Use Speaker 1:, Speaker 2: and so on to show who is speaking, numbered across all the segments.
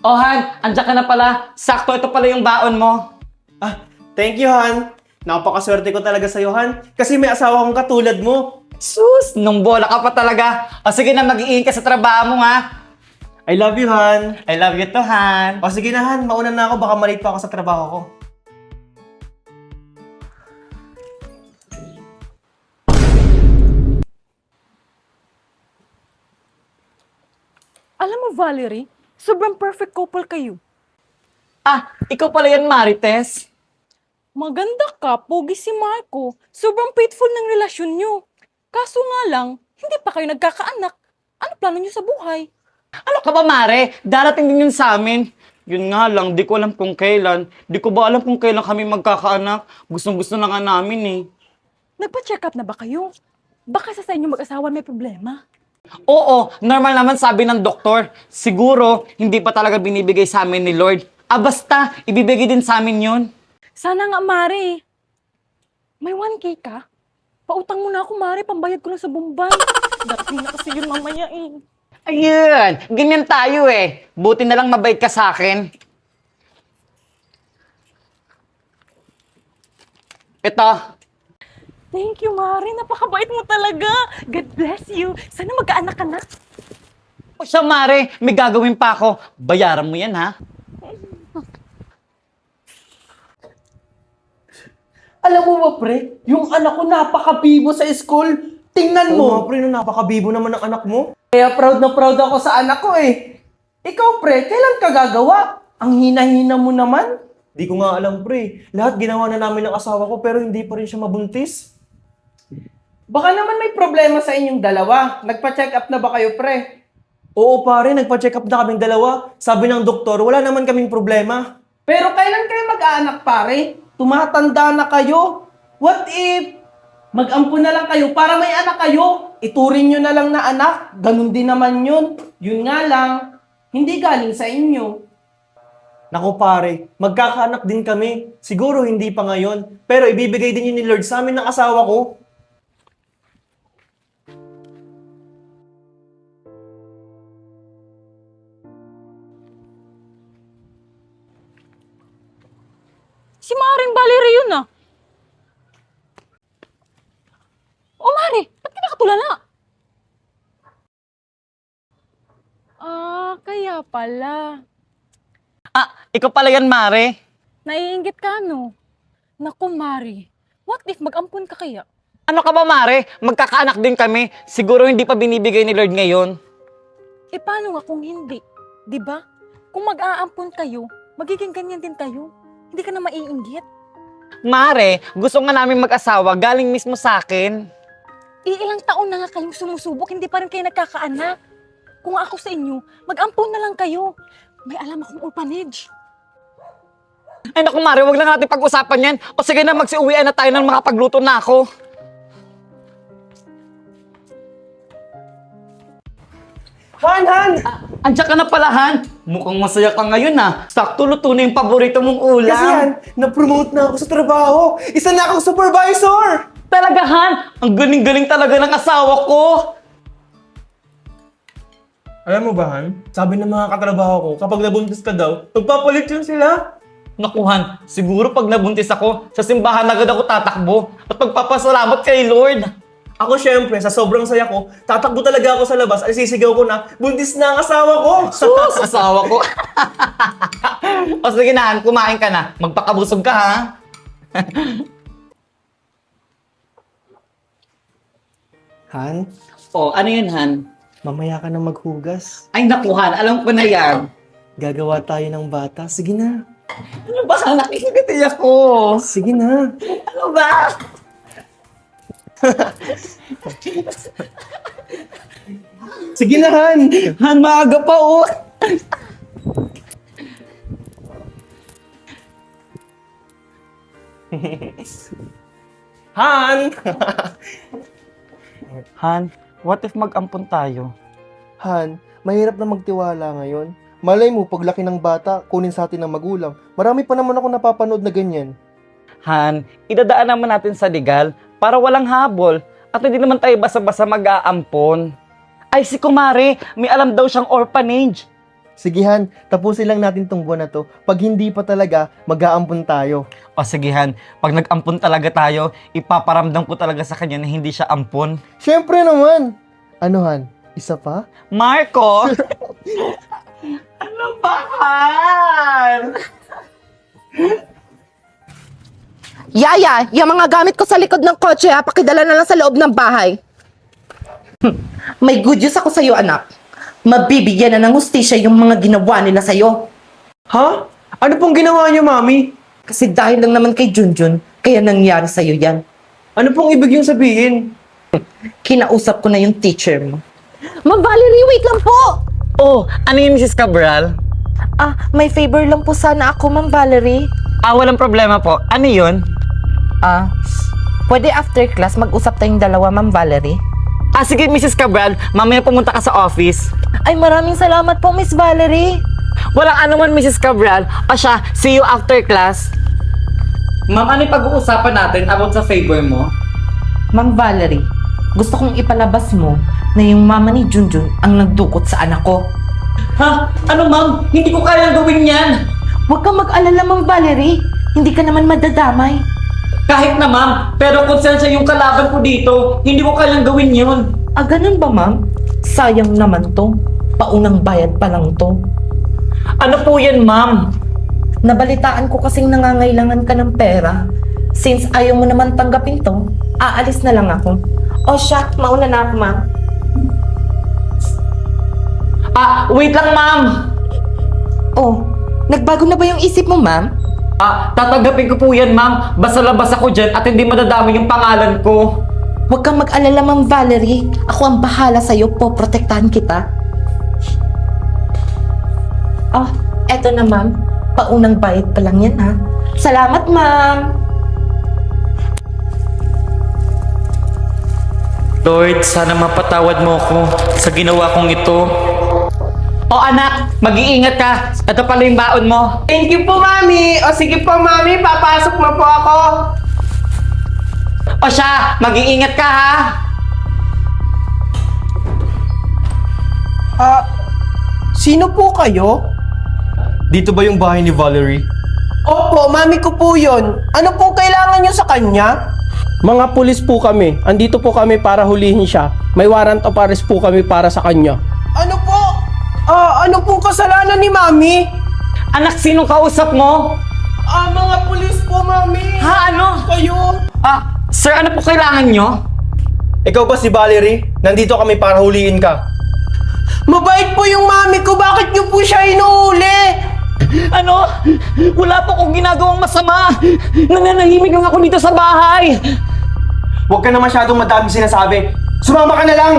Speaker 1: Oh, Han, andiyan ka na pala. Sakto, ito pala yung baon mo.
Speaker 2: Ah, thank you, Han. Napakaswerte ko talaga sa'yo, Han. Kasi may asawa kong katulad mo.
Speaker 1: Sus, nung bola ka pa talaga. O sige na, mag-iingat ka sa trabaho mo, ha?
Speaker 2: I love you, Han.
Speaker 1: I love you too, Han.
Speaker 2: O sige na, Han. Mauna na ako. Baka malate pa ako sa trabaho ko.
Speaker 3: Alam mo, Valerie, sobrang perfect couple kayo.
Speaker 1: Ah, ikaw pala yan, Marites.
Speaker 3: Maganda ka, pogi si Marco. Sobrang faithful ng relasyon nyo. Kaso nga lang, hindi pa kayo nagkakaanak. Ano plano nyo sa buhay?
Speaker 1: Ano ka ba, Mare? Darating din yun sa amin. Yun nga lang, di ko alam kung kailan. Di ko ba alam kung kailan kami magkakaanak? Gustong-gusto na nga namin eh.
Speaker 3: Nagpa-check up na ba kayo? Baka sa inyo mag-asawa may problema.
Speaker 1: Oo, normal naman sabi ng doktor. Siguro, hindi pa talaga binibigay sa amin ni Lord. Ah, basta, ibibigay din sa amin yun.
Speaker 3: Sana nga, Mare. May 1K ka? Pautang mo na ako, Mare. Pambayad ko lang sa bumbay. Darating na kasi yun mamaya eh.
Speaker 1: Ayun, ganyan tayo eh. Buti na lang mabait ka sa akin. Ito.
Speaker 3: Thank you, Mare. Napakabait mo talaga. God bless you. Sana magkaanak ka na.
Speaker 1: O siya, Mare, may gagawin pa ako. Bayaran mo yan, ha?
Speaker 4: Alam mo ba, pre? Yung anak ko napaka-bibo sa school. Tingnan
Speaker 2: Oo nga,
Speaker 4: mo.
Speaker 2: pre, no, napakabibo naman ng anak mo.
Speaker 4: Kaya proud na proud ako sa anak ko eh. Ikaw, pre, kailan ka gagawa? Ang hina-hina mo naman.
Speaker 2: Di ko nga alam, pre. Lahat ginawa na namin ng asawa ko pero hindi pa rin siya mabuntis.
Speaker 4: Baka naman may problema sa inyong dalawa. Nagpa-check up na ba kayo, pre?
Speaker 2: Oo, pare, nagpa-check up na kaming dalawa. Sabi ng doktor, wala naman kaming problema.
Speaker 4: Pero kailan kayo mag-aanak, pare? Tumatanda na kayo. What if mag-ampun na lang kayo para may anak kayo? Ituring nyo na lang na anak. Ganun din naman yun. Yun nga lang, hindi galing sa inyo.
Speaker 2: Naku pare, magkakaanak din kami. Siguro hindi pa ngayon. Pero ibibigay din yun ni Lord sa amin ng asawa ko.
Speaker 3: Si Maring Valerie yun ah. O Mare, ba't ka nakatulala? Ah, kaya pala.
Speaker 1: Ah, ikaw pala yan, Mare.
Speaker 3: Naiinggit ka, no? Naku, Mare. What if mag-ampun ka kaya?
Speaker 1: Ano ka ba, Mare? Magkakaanak din kami. Siguro hindi pa binibigay ni Lord ngayon.
Speaker 3: Eh, paano nga kung hindi? 'Di ba? Kung mag-aampun kayo, magiging ganyan din kayo. Hindi ka na maiinggit.
Speaker 1: Mare, gusto nga namin mag-asawa galing mismo sa akin.
Speaker 3: Ilang taon na nga kayong sumusubok, hindi pa rin kayo nagkakaanak. Kung ako sa inyo, mag-ampun na lang kayo. May alam akong orphanage.
Speaker 1: Ay naku, Mare, wag na natin pag-usapan yan. O sige na, magsiuwian na tayo nang makapagluto na ako.
Speaker 4: Han!
Speaker 1: Andiyan ka na pala, Han. Mukhang masaya ka ngayon, ha. Sakto luto na yung paborito mong ulam.
Speaker 2: Kasi yan, na-promote na ako sa trabaho. Isa na akong supervisor!
Speaker 1: Talaga, Han. Ang galing-galing talaga ng asawa ko.
Speaker 2: Alam mo ba, Han? Sabi ng mga katrabaho ko, kapag nabuntis ka daw, magpapalit yun sila.
Speaker 1: Naku, Han, siguro pag nabuntis ako, sa simbahan agad ako tatakbo at magpapasalamat kay Lord.
Speaker 2: Ako syempre, sa sobrang saya ko, tatakbo talaga ako sa labas at sisigaw ko na, buntis na ang asawa ko!
Speaker 1: Sus, asawa ko. O sige na, Han, kumain ka na. Magpakabusog ka, ha?
Speaker 2: Han,
Speaker 1: O, ano yun, Han?
Speaker 2: mamaya ka na maghugas.
Speaker 1: Ay, naku, Han, alam ko na yan.
Speaker 2: Gagawa tayo ng bata. Sige na.
Speaker 1: Ano ba, Han? Nakikigati ako.
Speaker 2: Sige na.
Speaker 1: Ano ba?
Speaker 2: Sige na, Han!
Speaker 1: Han, maaga pa, oh.
Speaker 2: Han!
Speaker 1: Han, what if mag-ampon tayo?
Speaker 5: Han, mahirap na magtiwala ngayon. Malay mo, paglaki ng bata, kunin sa atin ng magulang. Marami pa naman ako napapanood na ganyan.
Speaker 1: Han, idadaan naman natin sa legal para walang habol at hindi naman tayo basa-basa mag-aampon. Ay, si Kumare, may alam daw siyang orphanage.
Speaker 5: Sige Han, tapusin lang natin tong buwan na to. Pag hindi pa talaga, mag-aampon tayo.
Speaker 1: O sige Han, pag nag-ampon talaga tayo, ipaparamdam ko talaga sa kanya na hindi siya ampon.
Speaker 5: Siyempre naman! Ano Han, isa pa?
Speaker 1: Marco! Ano ba, Han?
Speaker 6: Yaya, yung mga gamit ko sa likod ng kotse ha, pakidala na lang sa loob ng bahay. May good news ako sa'yo, anak. Mabibigyan na ng hustisya yung mga ginawa nila sa'yo.
Speaker 2: Ha? Ano pong ginawa niyo, Mami?
Speaker 6: Kasi dahil lang naman kay Junjun, kaya nangyari sa'yo yan.
Speaker 2: Ano pong ibig yung sabihin?
Speaker 6: Kinausap ko na yung teacher mo. Ma'am Valerie, wait lang po!
Speaker 1: Oh, ano yun, Mrs. Cabral?
Speaker 6: May favor lang po sana ako, Ma'am Valerie.
Speaker 1: Walang problema po. Ano yun?
Speaker 6: Pwede after class mag-usap tayong dalawa, Ma'am Valerie?
Speaker 1: Sige, Mrs. Cabral, mamaya pumunta ka sa office.
Speaker 6: Ay, maraming salamat po, Miss Valerie.
Speaker 1: Walang anuman, Mrs. Cabral. Siya, see you after class. Ma'am, ano yung pag-uusapan natin about sa favor mo?
Speaker 6: Ma'am Valerie, gusto kong ipalabas mo na yung mama ni Junjun ang nagdukot sa anak ko.
Speaker 1: Ha? Ano, ma'am? Hindi ko kayang gawin yan.
Speaker 6: Huwag kang mag-alala, Ma'am Valerie. Hindi ka naman madadamay.
Speaker 1: Kahit na, ma'am. Pero konsensya yung kalaban ko dito. Hindi ko kayang gawin yun.
Speaker 6: Ganun ba, Ma'am? Sayang naman to. Paunang bayad pa lang to.
Speaker 1: Ano po yan, ma'am?
Speaker 6: Nabalitaan ko kasing nangangailangan ka ng pera. Since ayaw mo naman tanggapin to, aalis na lang ako. O siya, mauna na ako, Ma'am.
Speaker 1: Wait lang, ma'am.
Speaker 6: Oh, nagbago na ba yung isip mo, Ma'am?
Speaker 1: Tatanggapin ko po yan, ma'am. Basta labas ako dyan at hindi madadami yung pangalan ko.
Speaker 6: Huwag kang mag-alala, Ma'am Valerie. Ako ang bahala sa'yo po. Protektahan kita. Eto na, Ma'am. Paunang bayad pa lang yan, ha? Salamat, Ma'am.
Speaker 1: Lord, sana mapatawad mo ako sa ginawa kong ito. Anak, mag-iingat ka. Ito pala yung baon mo.
Speaker 4: Thank you po, Mami. O sige po, Mami, papasok na po ako.
Speaker 1: Siya, mag-iingat ka, ha?
Speaker 4: Sino po kayo?
Speaker 2: Dito ba yung bahay ni Valerie?
Speaker 4: Opo, Mami ko po yun. Ano pong kailangan nyo sa kanya?
Speaker 7: Mga pulis po kami. Andito po kami para hulihin siya. May warrant of arrest po kami para sa kanya.
Speaker 4: Ano po? Ano pong kasalanan ni Mami?
Speaker 1: Anak, sinong kausap mo?
Speaker 4: Mga pulis po, Mami.
Speaker 1: Ano?
Speaker 4: Kayo?
Speaker 1: Sir, ano po kailangan nyo?
Speaker 2: Ikaw ba si Valerie? Nandito kami para huliin ka.
Speaker 4: Mabait po yung Mami ko. Bakit nyo po siya inuuli?
Speaker 1: Ano? Wala po akong ginagawang masama. Nananahimik lang ako dito sa bahay.
Speaker 2: Huwag ka na masyadong madami sinasabi. Sumama ka na lang!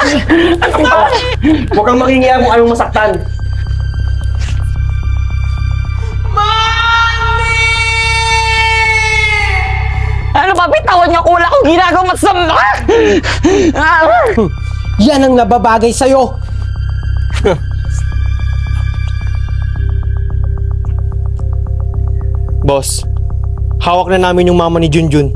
Speaker 2: Huwag kang makingiya kung anong masaktan.
Speaker 4: Mami!
Speaker 1: Ano ba? Bitawan niyo ako. Wala akong ginagawang masama.
Speaker 4: Yan ang nababagay sa'yo.
Speaker 2: Boss, hawak na namin yung mama ni Junjun.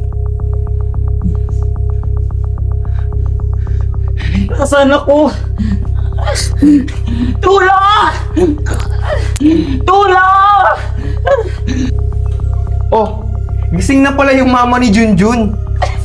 Speaker 1: Nasaan ako? Tulong! Tulong!
Speaker 2: Oh, gising na pala yung mama ni Junjun.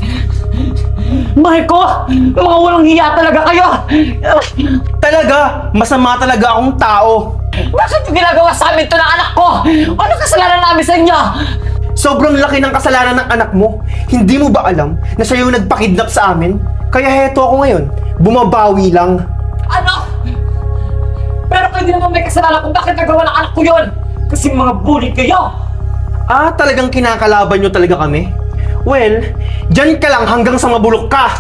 Speaker 1: Marco! Mga walang hiya talaga kayo!
Speaker 2: Talaga, masama talaga akong tao.
Speaker 1: Bakit yung ginagawa sa amin ito ng anak ko? Ano kasalanan namin sa inyo?
Speaker 2: Sobrang laki ng kasalanan ng anak mo. Hindi mo ba alam na siya yung nagpakidnap sa amin? Kaya heto ako ngayon, bumabawi lang.
Speaker 1: Ano? Pero kayo din naman may kasalanan kung bakit nagawa ng anak ko yun! Kasi mga bully kayo!
Speaker 2: Talagang kinakalaban nyo talaga kami? Well, dyan ka lang hanggang sa mabulok ka!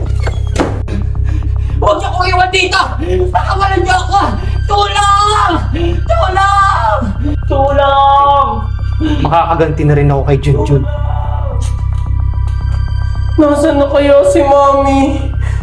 Speaker 1: Huwag niyo kong iwan dito! Pakawalan niyo ako! Tulong! Tulong! Tulong!
Speaker 2: Makakaganti na rin ako kay Junjun.
Speaker 4: Nasaan na kaya si Mami?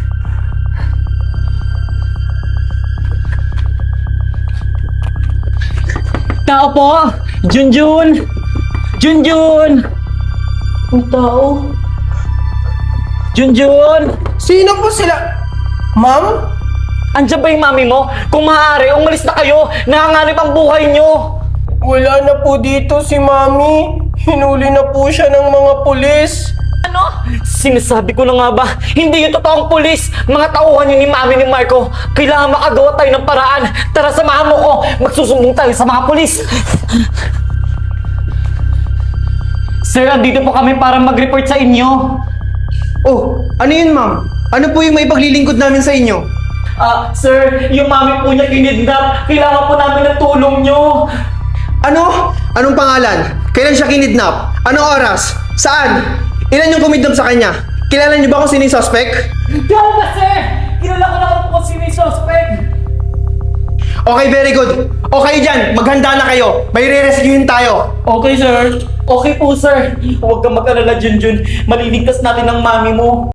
Speaker 1: Tao po! Junjun! Junjun!
Speaker 4: Ang tao?
Speaker 1: Junjun!
Speaker 4: Sino po sila? Ma'am?
Speaker 1: Andiyan ba yung mami mo? Kung maaari, umalis na kayo. Nanganganib ang buhay nyo.
Speaker 7: Wala na po dito si Mami. Hinuli na po siya ng mga pulis.
Speaker 1: Ano? Sinasabi ko na nga ba, hindi yung totoong pulis. Mga tauhan yun ni mami ni Marco. Kailangan makagawa tayo ng paraan. Tara, samahan mo ko. Magsusumbong tayo sa mga pulis. Sir, andito po kami para mag-report sa inyo.
Speaker 2: Oh, ano yun ma'am? Ano po yung may paglilingkod namin sa inyo?
Speaker 1: Sir, yung mami po niya kinidnap. Kailangan po namin ng tulong nyo.
Speaker 2: Ano? Anong pangalan? Kailan siya kinidnap? Anong oras? Saan? Ilan yung kumidnap sa kanya? Kilala niyo ba kung sino yung suspect?
Speaker 1: Diyan ba, sir? Kilala ko na kung sino yung suspect.
Speaker 2: Okay, very good. Okay dyan, maghanda na kayo. May re-rescuein tayo.
Speaker 7: Okay, sir.
Speaker 1: Okay po, sir. Huwag kang mag-alala, Junjun. Maliligtas natin ang mami mo.